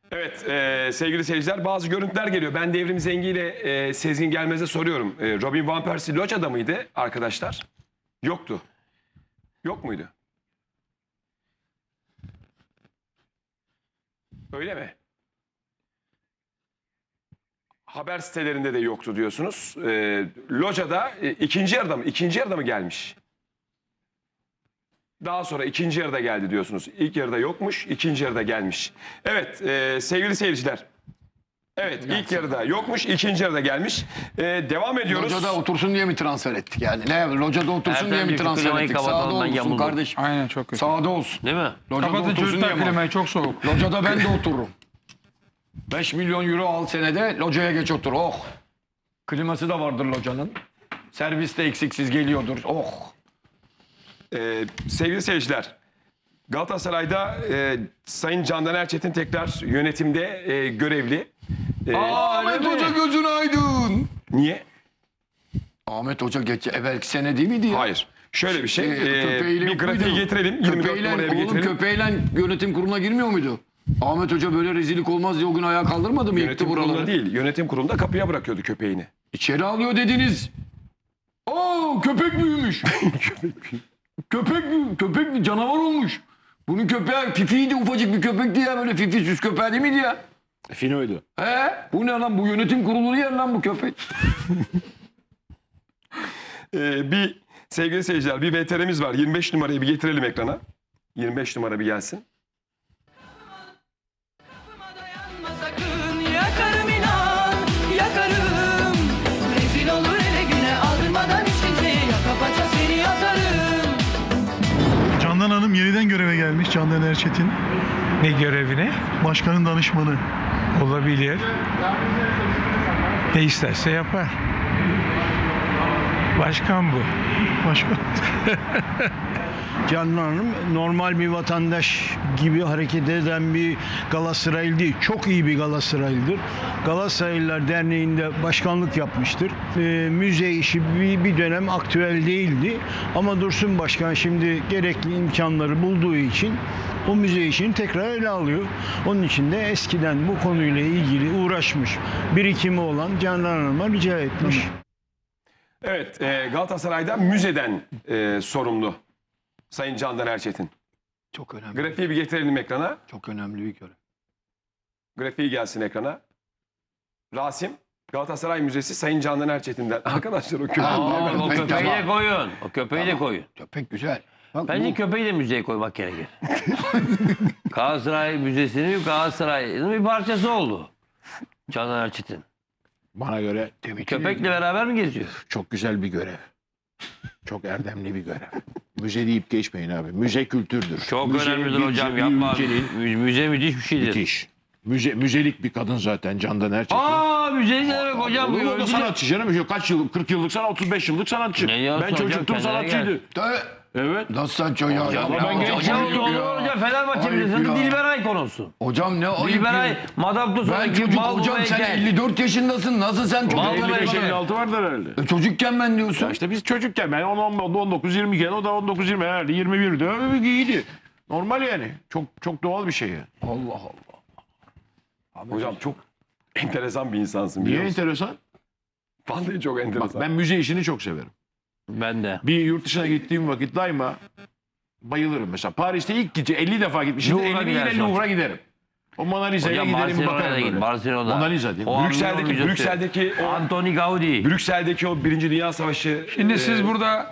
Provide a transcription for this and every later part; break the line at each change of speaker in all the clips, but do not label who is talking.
Evet sevgili seyirciler, bazı görüntüler geliyor. Ben Devrim Zengi ile Sezgin Gelmez'e soruyorum. Robin Van Persie Loca'da mıydı arkadaşlar? Yoktu. Yok muydu? Öyle mi? Haber sitelerinde de yoktu diyorsunuz. Loca'da ikinci yarıda mı? İkinci yarıda mı gelmiş? Daha sonra ikinci yarıda geldi diyorsunuz. İlk yarıda yokmuş, ikinci yarıda gelmiş. Evet sevgili seyirciler. Evet ilk yarıda yokmuş, ikinci yarıda gelmiş. Devam ediyoruz.
Loca'da otursun diye mi transfer ettik yani? Ne? Loca'da otursun diye mi
Ertem'cim,
transfer
klimayı
ettik?
kapatalım,
Sağda
ben
olsun
yamuldum.
kardeşim.
Aynen, çok kötü.
Sağda olsun.
Değil mi?
Loca'da
Kapatın
otursun
çocuklar
diye mi?
klimayı, çok soğuk.
Loca'da ben de otururum. 5 milyon euro al senede Loca'ya geç otur. Oh. Kliması da vardır Loca'nın. Servis de eksiksiz geliyordur. Oh.
Sevgili seyirciler, Galatasaray'da Sayın Candan Erçetin tekrar yönetimde görevli.
Ahmet Hoca gözün aydın.
Niye?
Ahmet Hoca evvelki sene değil miydi ya?
Hayır. Şöyle bir şey.
Köpeğiyle
Bir
yok
grafiği
muydu?
getirelim. 24
Köpeğiyle,
numaraya bir
oğlum
getirelim.
köpeğiyle yönetim kuruluna girmiyor muydu? Ahmet Hoca böyle rezillik olmaz diye o gün ayağa kaldırmadı mı? Yıktı
Yönetim kurulunda
buraları.
değil. Yönetim kurulunda kapıya bırakıyordu köpeğini.
İçeri alıyor dediniz. Oo köpek büyümüş. köpek canavar olmuş. Bunun köpeği Fifi'ydi, ufacık bir köpekti ya, böyle Fifi süs köpeği değil miydi ya?
Fino'ydu.
He? Bu ne lan, bu yönetim kurulu yer lan bu köpek.
Bir sevgili seyirciler, bir VTR'miz var. 25 numarayı bir getirelim ekrana. 25 numara bir gelsin.
Sakın yakarım inan, yakarım. Rezil olur ele güne aldırmadan hiç kimseye yaka paça seni atarım.
Candan Hanım yeniden göreve gelmiş. Candan Erçetin.
Ne görevine?
Başkanın danışmanı.
Olabilir. Ne isterse yapar. Başkan bu.
Başkan.
Canan Hanım normal bir vatandaş gibi hareket eden bir Galatasaraylı değil. Çok iyi bir Galatasaraylıdır. Galatasaraylılar Derneği'nde başkanlık yapmıştır. Müze işi bir dönem aktüel değildi. Ama Dursun Başkan şimdi gerekli imkanları bulduğu için o müze işini tekrar ele alıyor. Onun için de eskiden bu konuyla ilgili uğraşmış, birikimi olan Canan Hanım'a rica etmiş.
Evet, Galatasaray'da müzeden sorumlu Sayın Candan Erçetin.
Çok önemli.
Grafiği bir getirelim ekrana.
Çok önemli bir görev.
Grafiği gelsin ekrana. Rasim, Galatasaray Müzesi Sayın Candan Erçetin'den. Arkadaşlar o köpeği.
O köpeği de
Tamam.
koyun. O köpeği de koyun.
Köpek güzel. Bak,
Bence
bu-
köpeği de müzeye koymak gerekir. Galatasaray Müzesi'nin Galatasaray'ın bir parçası oldu. Canan Erçetin.
Bana göre
Köpekle beraber mi geziyor?
çok güzel bir görev. Çok erdemli bir görev. Müze deyip geçmeyin abi. Müze kültürdür.
Çok
Müze
önemlidir
bir-
hocam,
bir
yapma.
ülkenin
Müze müthiş bir şeydir.
müthiş. Müzelik bir kadın zaten Candan Erçetin.
Aa müze ne demek hocam?
Olur mu? O da
Öldü-
sanatçı canım. Kaç yıllık? 40 yıllık sanat, 35 yıllık sanatçı.
Ne diyorsun
Ben
hocam?
çocuktum,
Kendine
sanatçıydı. Evet.
Nasıl sen çocuğa?
Ama ben genç
Hocam
çocuktum
olur
ya.
hocam, Fenerbahçe
Ayıp
Müzesi'nin
ya.
Dilberay konusu.
Hocam ne ayıp
Dilberay,
ya.
Madame
Ben
Tussauds'daki
çocuk
bal
hocam, sen
heykel.
54 yaşındasın. Nasıl sen çocuk?
Vallahi
55
ben-
56 vardır herhalde.
Çocukken ben diyorsun.
Ya işte biz çocukken ben 19 20 iken o da 19 20 herhalde 21'di. Öyle iyiydi. Normal yani. Çok doğal bir şey yani.
Allah Allah.
Hocam çok enteresan bir insansın. biliyor
Niye
musun?
enteresan?
Vallahi çok
Bak
enteresan.
ben müze işini çok severim.
Ben de.
Bir yurt dışına gittiğim vakit daima bayılırım. Mesela Paris'te ilk gece 50 defa gitmişim.
Louvre'a
50 yine
gidersin.
Louvre'ra giderim. O Mona Lisa'ya
Hocam
giderim
Barcelona'ya
bakarım
da git.
böyle.
Barcelona.
Mona Lisa değil mi?
O
Brüksel'deki,
Avrupa Müzesi.
Brüksel'deki o
Antoni Gaudi.
Brüksel'deki o Birinci Dünya Savaşı.
Şimdi siz burada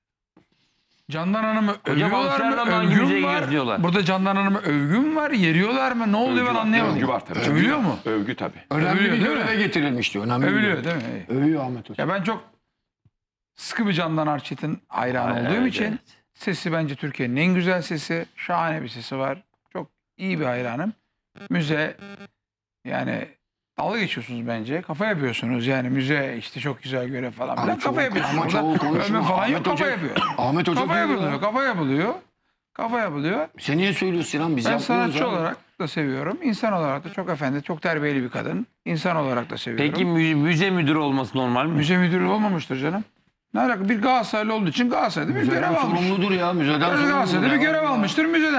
Candan Hanım'ı övüyorlar
Amsterdam'da
mı?
hangi
Övgün
müzeye
var.
gidiyorlar?
Burada Candan Hanım'ı övgün var, yeriyorlar mı? Ne oluyor ben anlayamadım.
Övgü var tabii.
Övülüyor mu?
Övgü tabii.
Önemli
Övülüyor,
bir
değil mi?
göreve getirilmiş diyor. Önemli bir
Övülüyor
görev.
değil mi?
Övüyor Ahmet Hoca.
Ya ben çok sıkı bir Candan Erçetin hayranı
Ay,
olduğum
evet,
için
evet.
sesi bence Türkiye'nin en güzel sesi. Şahane bir sesi var. Çok iyi bir hayranım. Müze yani dalga geçiyorsunuz bence. Kafa yapıyorsunuz yani müze işte çok güzel görev falan.
Ama
filan.
çoğu-
Kafa yapıyorsunuz.
ama
Burada
çoğu konuşma.
övme falan yok.
Ahmet
Kafa
Hoca-
yapıyor.
Ahmet Hoca
Kafa
diyor
yapılıyor.
ya.
Kafa yapılıyor. Kafa yapılıyor.
Sen niye söylüyorsun Sinan? Biz
Ben
yapmıyoruz
sanatçı
abi.
olarak da seviyorum. İnsan olarak da çok efendi, çok terbiyeli bir kadın. İnsan olarak da seviyorum.
Peki müze müdürü olması normal mi?
Müze müdürü olmamıştır canım. Ne alaka? Bir Galatasaraylı olduğu için Galatasaray'da bir görev
Müzeden
almış.
sorumludur ya. Müzeden sorumludur.
Galatasaray'da bir
ya.
görev almıştır müzeden.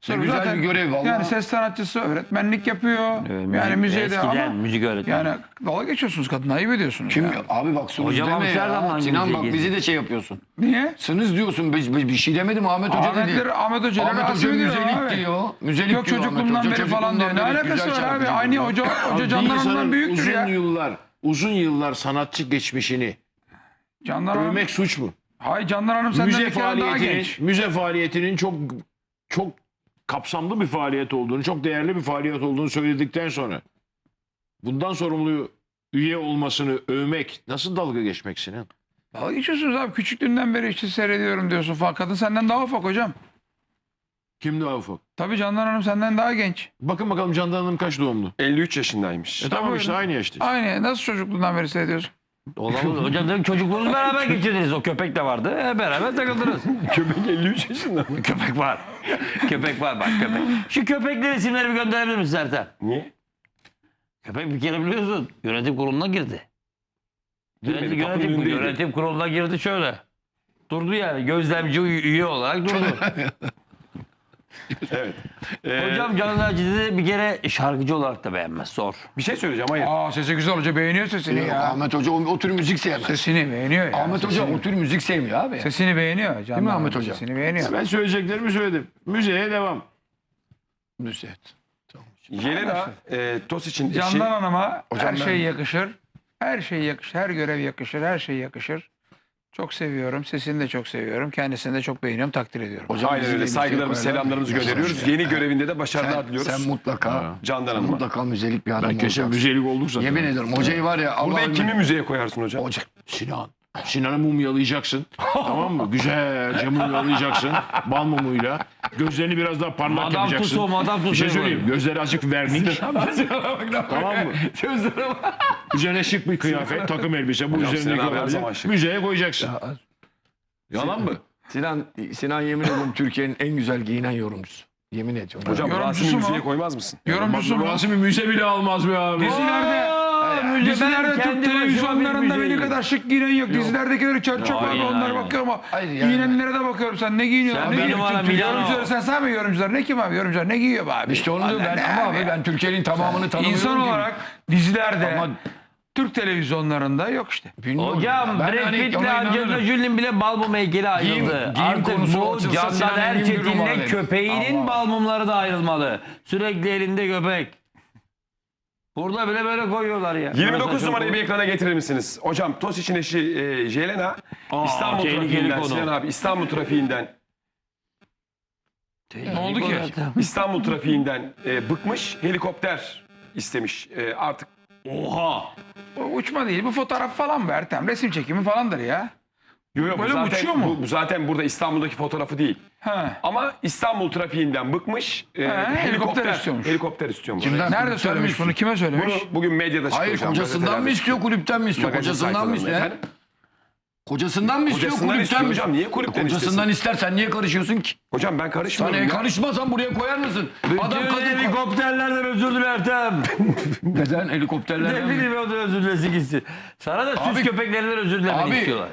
Sonra
güzel
zaten
bir görev vallahi.
Yani ses sanatçısı, öğretmenlik yapıyor. Yani müzeyde
eskiden
ama
müzik öğretmeni.
yani dalga geçiyorsunuz kadına, ayıp ediyorsunuz.
Kim
ya.
abi bak sınız
Hocam
deme
Amsterdam'dan
ya. Sinan
müziğe
bak
girdi.
bizi de şey yapıyorsun.
Niye?
Sınız diyorsun bir şey demedim Ahmet Hoca dedi.
Ahmet Hoca
Ahmet Hoca müzelik
abi.
diyor. Müzelik
Yok
diyor Ahmet
çocukluğumdan
Hoca.
beri falan diyor. Ne
Çocukluğumdan beri
alakası
güzel
var abi?
şarkıcı
Aynı
diyor.
hoca
Bir
Candan
insanın
Hanım'dan büyüktür
uzun
ya.
yıllar sanatçı geçmişini
Candan Hanım.
övmek suç mu?
Hayır, Candan Hanım senden bir kere daha genç.
Müze faaliyetinin çok kapsamlı bir faaliyet olduğunu, çok değerli bir faaliyet olduğunu söyledikten sonra bundan sorumlu üye olmasını övmek nasıl dalga geçmek Sinan?
Dalga geçiyorsunuz abi. Küçüklüğünden beri işte seyrediyorum diyorsun falan. Kadın senden daha ufak hocam.
Kim daha ufak?
Tabii Candan Hanım senden daha genç.
Bakın bakalım Candan Hanım kaç doğumlu?
53 yaşındaymış.
Tamam
Tabii
işte
öyle.
aynı yaşta.
Aynı. Nasıl çocukluğundan beri seyrediyorsun?
Olamaz. Hocam dedim çocukluğunuzu beraber geçirdiniz. O köpek de vardı. Beraber takıldınız.
Köpek 53 yaşında.
Köpek var. Köpek var bak köpek. Şu köpeklerin isimleri bir gönderebilir misin Ertem?
Niye?
Köpek bir kere biliyorsun yönetim kuruluna girdi.
Girmedi, kapının önündeydi.
Yönetim kuruluna girdi şöyle. Durdu yani gözlemci üye olarak durdu.
Evet.
Hocam Canan Erçetin'i bir kere şarkıcı olarak da beğenmez. Zor.
Bir şey söyleyeceğim, hayır.
Aa, sesi güzel hoca, beğeniyor sesini
Yok,
ya.
Ahmet Hoca o tür müzik sevmez.
Sesini beğeniyor ya.
Ahmet Hoca o tür müzik sevmiyor abi.
Sesini beğeniyor. Candan
mi
Hanım
Ahmet Hoca?
Sesini beğeniyor.
Ben söyleyeceklerimi söyledim. Müzeye devam.
Müzik.
Jelena Tosic'in eşi.
Candan Hanım'a
Hocam
her
ben-
şey yakışır. Her şey yakışır. Her görev yakışır. Her şey yakışır. Çok seviyorum. Sesini de çok seviyorum. Kendisini de çok beğeniyorum. Takdir ediyorum.
Hocam
Aynen
bizi de
öyle.
müziğe
Saygılarımızı,
koyarlar.
selamlarımızı
Nasıl
gönderiyoruz.
şey?
Yeni görevinde de başarılar diliyoruz.
Sen mutlaka
Candan Hanım'a.
mutlaka müzelik bir adam
Ben kesin
olacaksın.
müzelik olduk zaten.
Yemin ederim hocayı var ya
Burada
Allah'ım.
kimi müzeye koyarsın hocam?
Hoca.
Sinan. Sinan'ı mumyalayacaksın. Tamam mı? Güzelce mumyalayacaksın. Bal mumuyla. Gözlerini biraz daha parlak
Madame
yapacaksın.
Tussauds, Madame
Bir şey
Tussauds
söyleyeyim. Gözleri azıcık vernik. Tamam mı? Üzerine şık bir kıyafet, takım elbise. Bu
Hocam
üzerindeki
Sinan abi her
olabilir.
zaman şık.
Müzeye koyacaksın. Yalan mı?
Sinan yemin ediyorum Türkiye'nin en güzel giyinen yorumcusu. Yemin ediyorum.
Hocam
Yorumcusu
Rasim'i
mu?
müzeye koymaz mısın?
Yorumcusu mu?
Rasim'i müze bile almaz be abi.
Dizilerde, dizilerde Türk televizyonlarında beni kadar şık giyinen yok. Dizilerdekileri çöp çöp abi,
Hayır,
onlara
hayır.
bakıyorum ama
Hayır, yani-
giyinenlere de bakıyorum. Sen ne giyiniyorsun?
Sen
Ne
benim
giyiyorsun?
bana
Türk
Milano.
yorumcuları, sen say mı yorumcular? Ne kim abi yorumcular? Ne giyiyor be abi?
İşte onu diyorum ben
Ne
ama abi ben Türkiye'nin tamamını tanımıyorum.
İnsan
ki.
olarak dizilerde,
Ama-
Türk televizyonlarında yok işte.
Bilmiyorum.
Hocam
Ben
Brad
hani
Pitt'le
ona
Angelina
inanırım.
Jolie'nin bile bal mumu heykeli ayrıldı.
giyim
Artık
konusu
bu
açılsa
Candan
Sinan Engin Gürüm
Erçetin'le
abi.
köpeğinin
Allah.
bal mumları da ayrılmalı. Sürekli elinde köpek. Burada bile böyle koyuyorlar ya.
29
Burası
numarayı
çok-
bir ekrana getirir misiniz? Hocam Tosic'in eşi Jelena İstanbul
tehlikeli
trafiğinden,
konu.
Sinan abi İstanbul trafiğinden
Ne oldu ki?
İstanbul trafiğinden bıkmış, helikopter istemiş. Artık
Oha.
Bu uçma değil, bu fotoğraf falan mı Ertem? Resim çekimi falandır ya.
bu
Böyle
zaten,
uçuyor mu?
Bu zaten burada İstanbul'daki fotoğrafı değil.
Ha.
Ama İstanbul trafiğinden bıkmış,
helikopter istiyormuş.
Helikopter istiyormuş.
Kimden?
Nerede
Kulüpten
söylemiş
mi
bunu? Kime söylemiş?
Bunu bugün medyada çıktı
Hayır
hocam.
kocasından mı
gazetelerde
istiyor
çıktı.
kulüpten mi istiyor?
Magazin
Kocasından mı
sayfalarında.
istiyor?
Efendim?
Kocasından mı istiyor
Kocasından
kulüpten
istiyor
mi?
hocam. Niye kulüpten
Kocasından
istesin?
ister sen niye karışıyorsun ki?
Hocam ben karışmıyorum
Sen
ya.
karışmasan buraya koyar mısın? Adam
Bütün
kadın
helikopterlerden özür diler Ertem.
Neden helikopterlerden
Ne
mi?
bileyim o da özür dilesin gitsin. Sana da süs
Abi-
köpeklerinden özür dilemeni
Abi
istiyorlar.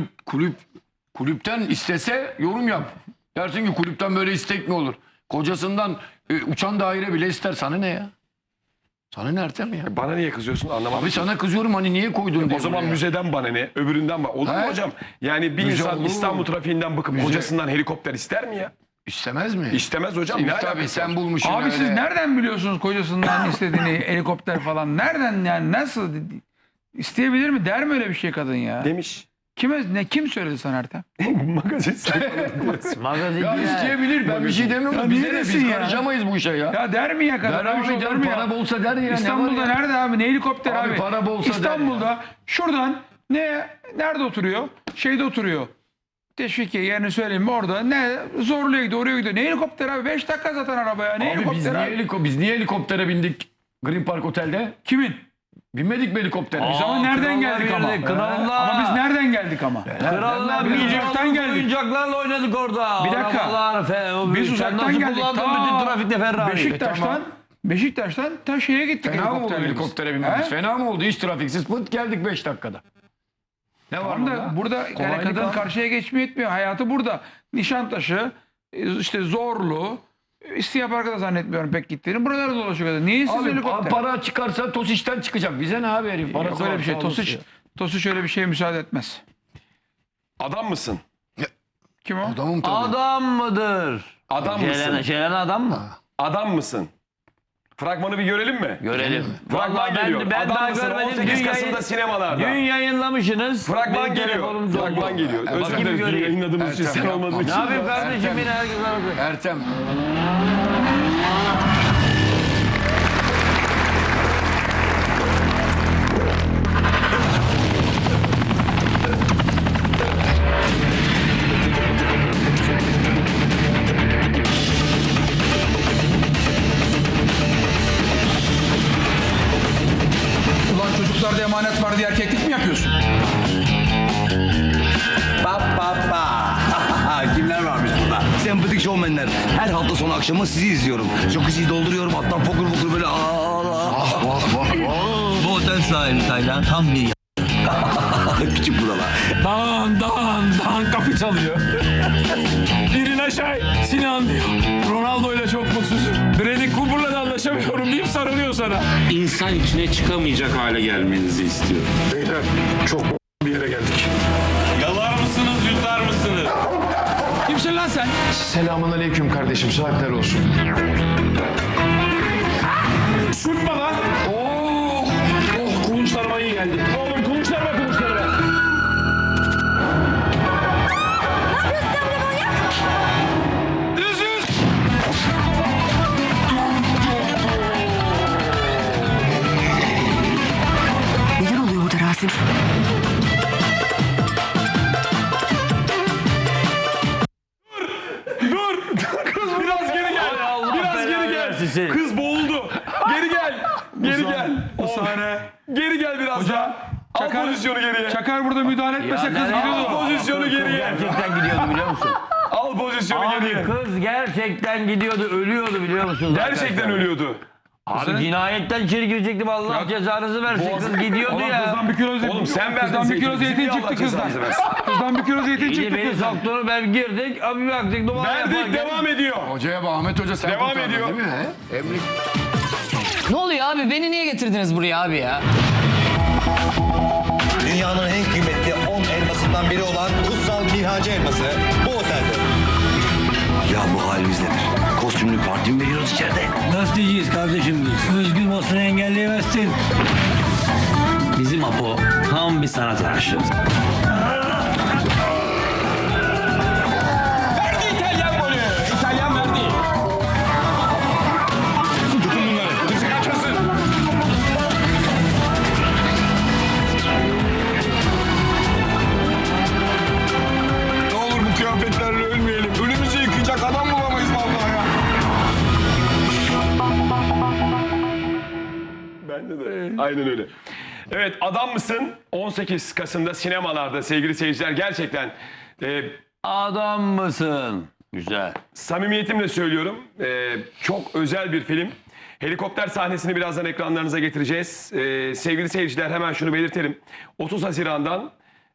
kulüpten istese yorum yap. Dersin ki kulüpten böyle istek mi olur? Kocasından uçan daire bile ister. Sana ne ya? Sana ne Ertem ya?
Bana niye kızıyorsun anlamadım.
Abi sana kızıyorum hani niye koydun diye.
O zaman
buraya.
müzeden bana ne? Öbüründen bana. Olur mu
He?
hocam? Yani bir
Müze
insan
olur mu?
İstanbul trafiğinden bakıp
Müze-
kocasından helikopter ister mi ya?
İstemez mi?
İstemez hocam. Ne
Tabii
alakası
sen
var?
bulmuşsun
Abi
öyle.
siz nereden biliyorsunuz kocasından istediğini, helikopter falan? Nereden yani, nasıl isteyebilir mi? Der mi öyle bir şey kadın ya?
Demiş.
Kim söyledi sana Ertem?
Magazin sayfalarında.
Magazin
Ya isteyebilir ben bir şey demiyorum.
Ya
Bize
niye
ne
desin
biz
ya?
karışamayız bu işe ya.
Ya der mi ya kadın?
Der
Öyle bir şey
abi
olur
der
mu ya?
para bolsa der ya.
İstanbul'da
ne var ya?
nerede abi? Ne helikopter
Abi
abi?
para bolsa der
İstanbul'da şuradan nerede oturuyor? Şeyde oturuyor. Teşvikiye yerini söyleyeyim mi orada? Ne zorluya gidiyor, oraya gidiyor. Ne helikopter abi? 5 dakika zaten arabaya. Ne
Abi biz
helikopter
niye,
abi?
biz niye helikoptere bindik Green Park Otelde?
Kimin?
Binmedik mi helikoptere?
Biz ama nereden geldik ama?
Krallar.
Ama biz nereden geldik ama?
Krallar
Biz
biz
uzaktan geldik.
oyuncaklarla oynadık orada.
Bir dakika.
Arabalar,
Biz
sen
uzaktan
nasıl
geldik.
kullandın bütün trafikte Ferrari?
Beşiktaş'tan ta şeye gittik.
Fena mı oldu
helikopterle biz.
helikoptere binmemiz?
He?
Fena mı oldu? Hiç trafiksiz pıt geldik 5 dakikada. Ne var
Tamam da burada yani
Kolaylık
kadın
abi.
karşıya geçmiyor etmiyor. Hayatı burada. Nişantaşı, işte Zorlu, İstiya Park'a da zannetmiyorum pek gittiğini. Buralarda dolaşıyor kadar. Niye siz
Abi
helikopter?
para çıkarsa Tosiş'ten çıkacak. Bize ne abi herif?
Yok
Parası
öyle
var,
bir şey.
sağ olasın ya.
Tosiç öyle bir şeye müsaade etmez.
Adam mısın?
Kim o?
Adamım tabii.
Adam mıdır?
Adam mısın?
Şelen adam mı?
Adam mısın? Fragmanı bir görelim mi?
Görelim.
Fragman
Vallahi
geliyor.
ben
Adam
daha
mısın?
görmedim.
18 Kasım'da sinemalarda.
Dün yayınlamışsınız.
Fragman
Benim
geliyor.
telefonum doldu.
Fragman geliyor. Özür
bakayım
dileriz dün
göreyim.
yayınladığımız için
Ertem
sen
yapma.
olmadığın
Ne
için.
yapayım kardeşim
Ertem.
yine herkes arası.
Ertem.
Ulan çocuklarda emanet var diye erkeklik mi yapıyorsun?
Kimler varmış burada? Sempatik şovmenler. Her hafta sonu akşamı sizi izliyorum. Jacuzziyi dolduruyorum. Hatta fokur fokur böyle Bu otel sahibi Taylan tam bir küçük buralar.
Dağın kapı çalıyor. Birin aşağı Sinan diyor. Ronaldo ile çok mutsuzum. Bradley Cooper'la da anlaşamıyorum deyip sarılıyor sana.
İnsan içine çıkamayacak hale gelmenizi istiyorum.
Beyler çok bir yere geldik.
Yalar mısınız, yutar mısınız?
Kimsin lan sen?
Selamun aleyküm kardeşim. Saatler olsun.
Sürtme lan. Oh, kulunçlarıma iyi geldi. Oğlum kulunçlarıma.
Neler oluyor burada Rasim?
Kız biraz geri gel.
Allah
Biraz
belanı
geri gel.
versin seni.
Kız boğuldu. Geri gel. Geri gel.
Bu sahne.
Geri gel biraz
Hocam,
daha. Al
Çakar-
pozisyonu geriye.
Çakar burada müdahale etmese kız
nereye-
gidiyordu.
Al pozisyonu geriye.
Gerçekten gidiyordu biliyor musun?
Al pozisyonu
Abi
geriye.
kız gerçekten gidiyordu, ölüyordu biliyor musunuz?
Gerçekten
arkadaşlar?
ölüyordu.
Abi cinayetten içeri girecektim Allah cezanızı versin. Kız gidiyordu
Oğlum
ya.
kızdan bir kilo zeytin.
Oğlum sen verdin
Kızdan bir kilo
zeytini,
zeytin
bizi
çıktı
Allah
kızdan.
cezanızı versin.
Kızdan bir kilo zeytin
İyi
çıktı
beni
kızdan.
soktuğunu ben girdik. Abi baktık numara
Verdik
yaparken-
devam ediyor.
Hocaya bak Ahmet Hoca sen
Devam
kurtardın
ediyor.
değil mi? He? Emre
Ne oluyor abi? Beni niye getirdiniz buraya abi ya?
Dünyanın en kıymetli 10 elmasından biri olan kutsal Mihacı elması bu otelde. Ya bu halimiz nedir? Kostümlü parti mi veriyoruz içeride?
Gazeteciyiz kardeşim biz. Özgür basını engelleyemezsin. Bizim Apo tam bir sanat aşığı.
Verdi İtalyan golü. İtalyan verdi.
Tutun bunları. Kimse kaçmasın.
Ne olur bu kıyafetlerle ölmeyelim. Önümüzü yıkayacak adam bulamayız vallahi ya.
Bende de. Aynen öyle. Evet adam mısın? 18 Kasım'da sinemalarda sevgili seyirciler gerçekten
Adam mısın? Güzel.
samimiyetimle söylüyorum. Çok özel bir film. Helikopter sahnesini birazdan ekranlarınıza getireceğiz. Sevgili seyirciler hemen şunu belirtelim. 30 Haziran'dan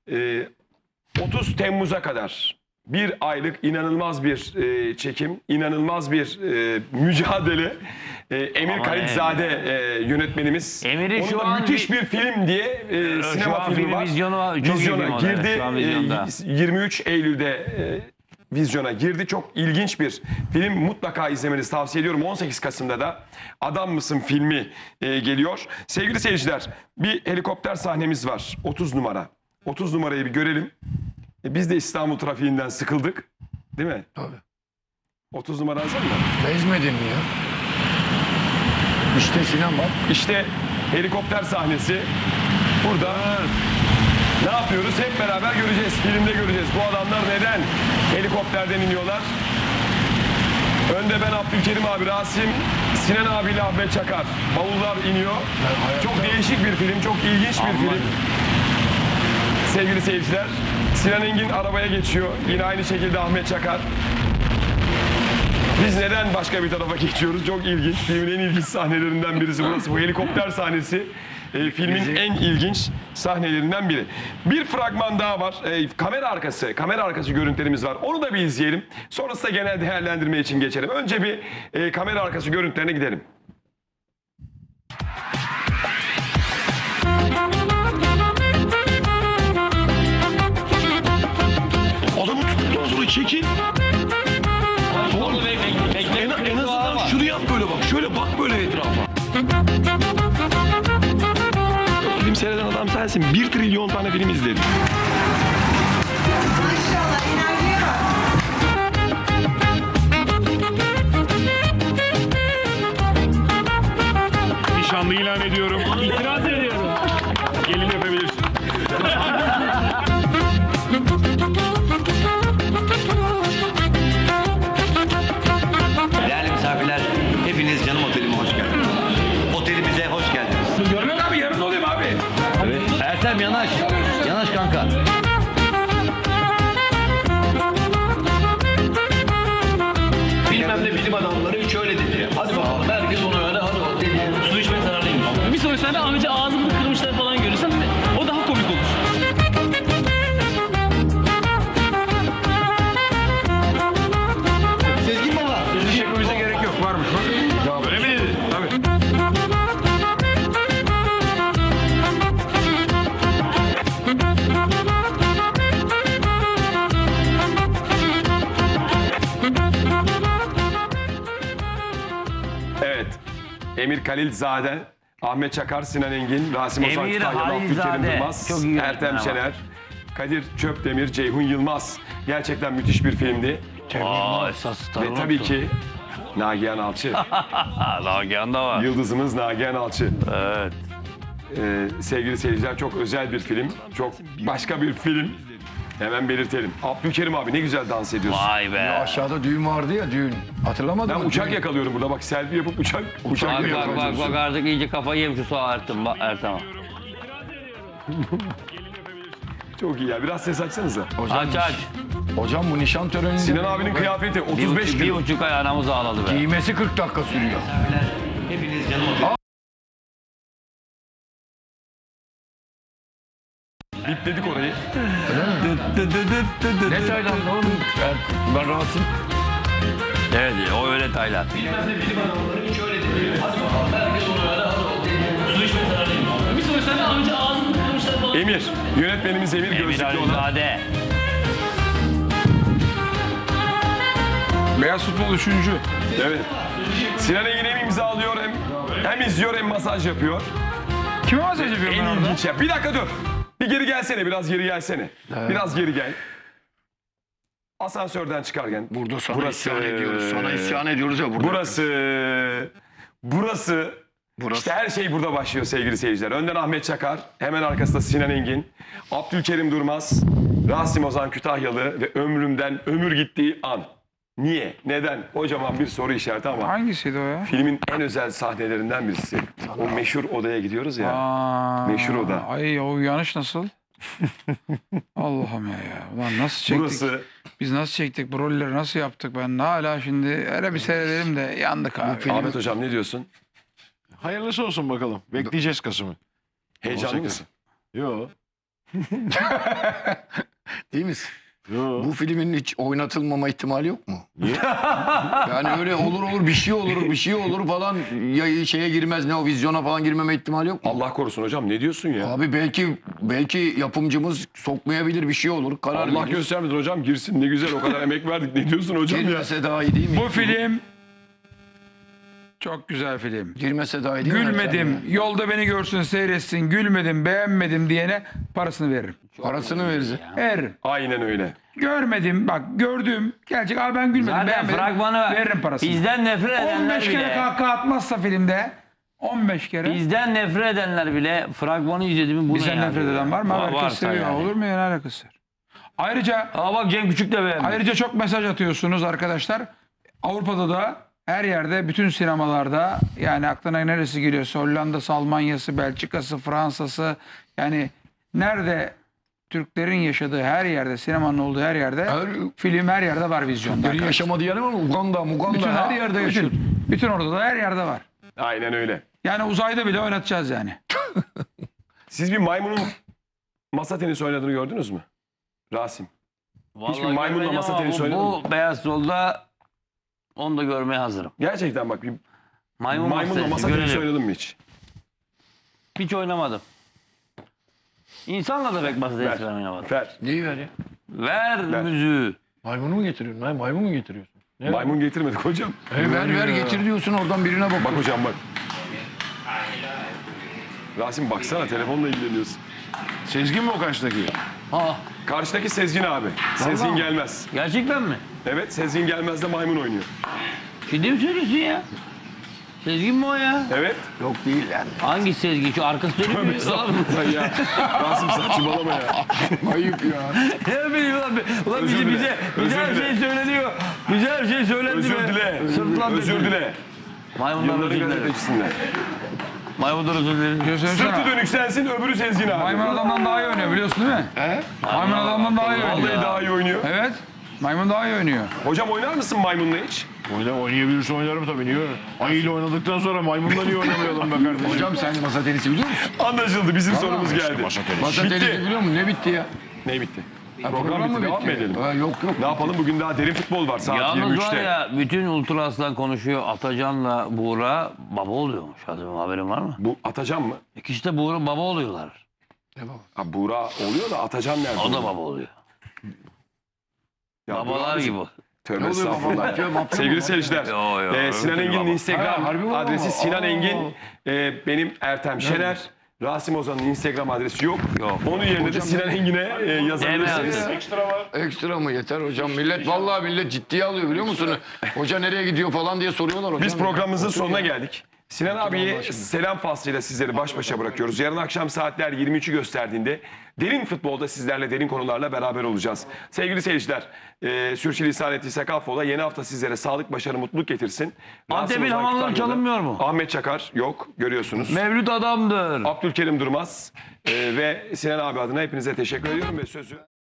30 Temmuz'a kadar bir aylık inanılmaz bir çekim, inanılmaz bir mücadele. Emir
Aman
Kalitzade yönetmenimiz.
Emir'i
Onun
şu
da
an
müthiş bir film diye
şu
sinema
an
filmi
film
var.
vizyona çok iyi
Vizyona
film o da,
girdi.
şu an vizyonda.
23 Eylül'de vizyona girdi. Çok ilginç bir film. Mutlaka izlemenizi tavsiye ediyorum. 18 Kasım'da da Adam Mısın filmi geliyor. Sevgili seyirciler bir helikopter sahnemiz var. 30 numara. 30 numarayı bir görelim. Biz de İstanbul trafiğinden sıkıldık. Değil mi?
Tabii.
30 numara hazır mı?
bezmedin mi ya? İşte Sinan bak.
İşte helikopter sahnesi. Burada ne yapıyoruz? Hep beraber göreceğiz. Filmde göreceğiz. Bu adamlar neden helikopterden iniyorlar? Önde ben Abdülkerim abi, Rasim, Sinan abiyle Ahmet Çakar. Bavullar iniyor. Çok değişik bir film, çok ilginç bir film. Sevgili seyirciler, Sinan Engin arabaya geçiyor. Yine aynı şekilde Ahmet Çakar. Biz neden başka bir tarafa geçiyoruz? Çok ilginç. Filmin en ilginç sahnelerinden birisi burası. Bu helikopter sahnesi filmin en ilginç sahnelerinden biri. Bir fragman daha var. Kamera arkası görüntülerimiz var. Onu da bir izleyelim. Sonrasında genel değerlendirme için geçelim. Önce bir kamera arkası görüntülerine gidelim.
Adamı tuttuktan sonra çekin. En azından şunu yap böyle bak. Şöyle bak böyle etrafa. Film seyreden adam sensin. 1 trilyon tane film izledim.
Nişanlı ilan ediyorum. İtiraz ediyorum. Gelin öpebilirsin.
Değerli misafirler, hepiniz canım otelime hoş geldiniz. Otelimize hoş geldiniz.
Görmen abi yarın olayım abi.
Ertem yanaş. Yanaş kanka. Bilmem ne bilim adamları şöyle dedi. Hadi bakalım herkes onu öyle hadi o dedi. Su içmek zararlıymış.
Bir sonraki sene amca ağzını kırmışlar falan görürsen o daha komik olur.
Sezgin baba.
Bizi çekmemize gerek yok. Varmış bak.
Öyle mi dedi?
Tabii.
Evet. Emir Kalilzade, Ahmet Çakar, Sinan Engin, Rasim Ozan
Emir
Kütahyalı, Abdülkerim
Halilzade.
Durmaz,
Çok iyi
Ertem
yönetmen
Şener, Kadir Çöpdemir, Ceyhun Yılmaz. Gerçekten müthiş bir filmdi.
Esas starı
Ve tabii ki Nagihan Alçı.
Nagihan da var.
Yıldızımız Nagihan Alçı.
Evet.
Sevgili seyirciler, çok özel bir film. Çok başka bir film. Hemen belirtelim. Abdülkerim abi ne güzel dans ediyorsun.
Vay be.
Aşağıda düğün vardı ya düğün. Hatırlamadın
Ben
mı?
uçak
Düğün.
yakalıyorum burada, bak selfie yapıp uçak
Bak
yakalamaya
bak artık iyice kafayı yemiş şu Ertem. Ertem.
Çok iyi ya, biraz ses açsanıza.
Aç aç.
Hocam bu nişan töreninde...
Sinan abinin kıyafeti 35
Bir
kilo.
buçuk ay anamız ağladı be.
Giymesi 40 dakika sürüyor.
Hepiniz canım otelime.
Bipledik orayı.
Ne Tayland oğlum? Ben rahatsız.
Evet o öyle Tayland.
Bir sonraki sene amca ağzını kırmışlar falan.
Emir, yönetmenimiz Emir
Emir
gözlüklü olan.
Halilzade.
Beyaz futbol 3.
Evet. Sinan Engin hem imzalıyor hem izliyor hem masaj yapıyor.
Kime masaj yapıyorum
En
ben orada?
ilginç ya. Bir dakika dur. Bir geri gelsene, biraz geri gelsene. Biraz geri gel. Asansörden çıkarken.
Burada sana
Burası-
isyan ediyoruz. Sana isyan ediyoruz ya burada.
Burası. İşte her şey burada başlıyor sevgili seyirciler. Önden Ahmet Çakar, hemen arkasında Sinan Engin, Abdülkerim Durmaz, Rasim Ozan Kütahyalı ve ömrümden ömür gittiği an. Niye? Neden? Kocaman bir soru işareti ama
Hangisiydi o ya?
filmin en özel sahnelerinden birisi. O meşhur odaya gidiyoruz ya.
Aa,
Meşhur oda.
Ay o uyanış nasıl? Allah'ım ya. Ulan nasıl çektik?
Burası
Biz nasıl çektik? Bu rolleri nasıl yaptık? Ben hala şimdi hele bir seyredelim de yandık abi.
Ahmet Hocam ne diyorsun?
Hayırlısı olsun bakalım. Bekleyeceğiz Kasım'ı.
Heyecanlı
18.
mısın?
Yo.
Değil misin?
Yo.
Bu filmin hiç oynatılmama ihtimali yok mu? Niye? Yani öyle olur bir şey olur falan ya şeye girmez ne o vizyona falan girmeme ihtimali yok mu?
Allah korusun hocam, ne diyorsun ya?
Abi belki yapımcımız sokmayabilir bir şey olur karar
Allah
verir.
göstermesin hocam, girsin, ne güzel, o kadar emek verdik. Ne diyorsun hocam ya?
Girmese daha iyi değil mi?
Bu film çok güzel film.
Girmese daha iyi değil mi?
Gülmedim, yolda beni görsün seyretsin, gülmedim, beğenmedim diyene parasını veririm.
Parasını veririz.
Veririm.
Aynen öyle.
Görmedim, bak gördüm. Gerçek abi ben gülmedim,
Zaten
beğenmedim.
fragmanı var.
Veririm parasını.
Bizden nefret edenler
15 kere
bile.
kahkaha atmazsa filmde 15 kere.
Bizden nefret edenler bile fragmanı izledi mi bunu
Bizden nefret eden var mı? Herkes seviyor.
yani.
Olur mu ya, ne alakası var? Ayrıca
Aa bak Cem Küçük de beğenmiş.
Ayrıca çok mesaj atıyorsunuz arkadaşlar. Avrupa'da da her yerde, bütün sinemalarda, yani aklına neresi geliyorsa, Hollanda'sı, Almanya'sı, Belçika'sı, Fransa'sı, yani nerede Türklerin yaşadığı her yerde, sinemanın olduğu her yerde, film her yerde var vizyonda.
Türklerin yaşamadığı yer var mı? Uganda her yerde yaşıyor.
Bütün orada da her yerde var.
Aynen öyle.
Yani uzayda bile oynatacağız yani.
Siz bir maymunun masa tenisi oynadığını gördünüz mü? Rasim. Hiçbir maymunla
görmedim
masa
ama
tenisi oynadın mı?
Bu beyaz yolda onu da görmeye hazırım.
Gerçekten bak bir
Maymunla
maymunla masa tenisi oynadın mı hiç?
Hiç oynamadım. İnsanla da pek masa tenisi oynamadım.
Ver.
Neyi ver ya?
Ver müziği.
Maymunu mu getiriyorsun? Hayır, maymun mu getiriyorsun? Ne?
Maymun getirmedik hocam.
Ver getir diyorsun, oradan birine bak.
Bak hocam bak. Rasim baksana, telefonla ilgileniyorsun.
Sezgin mi o karşıdaki?
Ha,
Karşıdaki Sezgin abi. Sezgin Gelmez.
gerçekten mi?
Evet, Sezgin Gelmez'de maymun oynuyor.
Ciddi mi söylüyorsun ya? Sezgin mi o ya?
Evet.
Yok değil yani.
Hangi Sezgin? Şu arkası dönüyor mu?
Ya, Rasim saçmalama ya.
Ayıp ya.
Ne bileyim ulan
Özür dile.
bize
Özür
her
dile.
şey söyleniyor. Bize her şey söylendi
Özür
be.
dile.
Sırtlan
Özür
dedi.
dile.
Maymundan
Yılların
özür dilerim.
gazetecisinden.
Maymundan özür dilerim.
Sırtı dönük sensin, öbürü Sezgin abi.
Maymun adamdan daha iyi oynuyor biliyorsun değil mi? Maymun adamdan daha iyi oynuyor.
Vallahi daha iyi oynuyor.
Evet. Maymun daha iyi oynuyor.
Hocam oynar mısın maymunla hiç?
Oynayabilirse oynarım tabii. Niye? Ayıyla oynadıktan sonra maymunla niye oynamayalım be kardeşim?
Hocam sen masa tenisi biliyor musun?
Anlaşıldı. Bizim sorumuz geldi.
Masa tenisi.
Masa
Bitti.
tenisi biliyor musun? Ne bitti ya?
Ne bitti?
Ha,
Program bitti.
mı
Devam mı edelim?
Ha, yok.
Ne yapalım? Bugün daha derin futbol var saat
Yalnız
23'te.
var ya bütün Ultra Aslan konuşuyor. Atacan'la Buğra baba oluyormuş. Haberin var mı?
Bu Atacan mı?
İkisi de Buğra baba oluyorlar.
Ha, Buğra oluyor da Atacan nerede?
O da baba oluyor.
Ya
Babalar
Buğra-
gibi.
Tövbe estağfurullah. Sevgili seyirciler, Sinan Engin'in Instagram adresi Sinan Engin, benim Ertem Şener. Rasim Ozan'ın Instagram adresi yok. Onun yerine de Sinan Engin'e yazabilirsiniz.
Ekstra mı yeter hocam? Vallahi millet ciddiye alıyor biliyor musun? Hoca nereye gidiyor falan diye soruyorlar hocam.
Biz programımızın
Otur
sonuna
ya.
geldik. Sinan abiye selam faslıyla sizleri baş başa bırakıyoruz. Yarın akşam saatler 23'ü gösterdiğinde derin futbolda sizlerle derin konularla beraber olacağız. Sevgili seyirciler, sürçülisan ettiysek affola. Yeni hafta sizlere sağlık, başarı, mutluluk getirsin.
Antep'in
Rasim Ozan
hamamları
Kütahyalı,
çalınmıyor mu?
Ahmet Çakar yok, görüyorsunuz.
Mevlüt adamdır.
Abdülkerim Durmaz ve Sinan abi adına hepinize teşekkür ediyorum ve sözü...